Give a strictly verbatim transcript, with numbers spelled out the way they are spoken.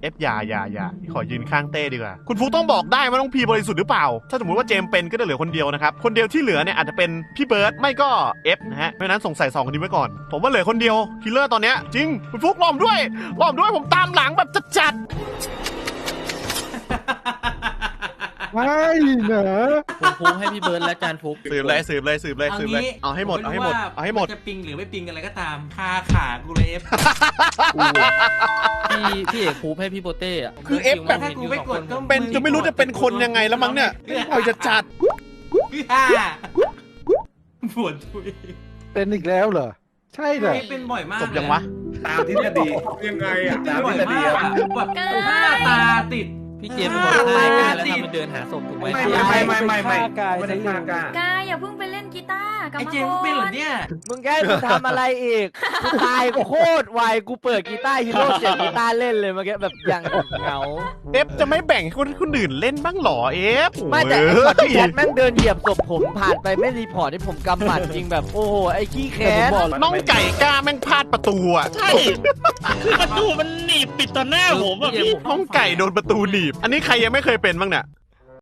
เอฟอย่าอย่าอย่าขอยืนข้างเต้ดีกว่าคุณฟุกต้องบอกได้ว่าน้องพีบริสุทธิ์หรือเปล่าถ้าสมมติว่าเจมเป็นก็จะเหลือคนเดียวนะครับคนเดียวที่เหลือเนี่ยอาจจะเป็นพี่เบิร์ดไม่ก็เอฟนะฮะเพราะฉะนั้นสงสัยสองคนนี้ไว้ก่อนผมว่าเหลือคนเดียวคิลเลอร์ตอนเนี้ยจริงคุณฟุกล้อมด้วยล้อมด้วยผมตามหลังแบบจัดไม่เหรอผมฟุกให้พี่เบิร์ดและจานฟุกสืบเลยสืบเลยสืบเลยสืบเลยเอาให้หมดเอาให้หมดเอาให้หมดจะปิงหรือไม่ปิงอะไรก็ตามคาขากูเลยเอฟพี่พี่เอกฟุกให้พี่โปเต้อะคือเอฟแบบถ้ากูไม่กดก็เป็นจะไม่รู้จะเป็นคนยังไงแล้วมั้งเนี่ยปล่อยจะจัดปวดทุยเป็นอีกแล้วเหรอใช่เหรอเป็นบ่อยมากจบยังวะตามทฤษฎียังไงอ่ะตามทฤษฎีแบบห้าตาติดพี่เจมส์บอกว่าแล้วทำมันเดินหาศพถูกไหมไม่ไม่ไม่ไม่ไม่ไม่ได้ฆ่ากากายอย่าเพิ่งไปเล่นกีตาร์กับไอเจมส์เป็นเหรอเนี่ยมึงแกมึงทำอะไรอีกกูตายโคตรไวกูเปิดกีตาร์ฮีโร่เสียงกีตาร์เล่นเลยเมื่อกี้แบบอย่างเหงาเอฟจะไม่แบ่งให้คนคนอื่นเล่นบ้างหรอเอฟไม่แต่พี่แคทแม่งเดินเหยียบศพผมผ่านไปไม่รีพอร์ตที่ผมกำหมัดจริงแบบโอ้โหไอ้ขี้แค้นน้องไก่กล้าแม่งพลาดประตูอ่ะใช่คือประตูมันหนีบปิดต่อหน้าผมอ่ะพี่น้องไก่โดนประตูหนีบอันนี้ใครยังไม่เคยเป็นบ้างเนี่ย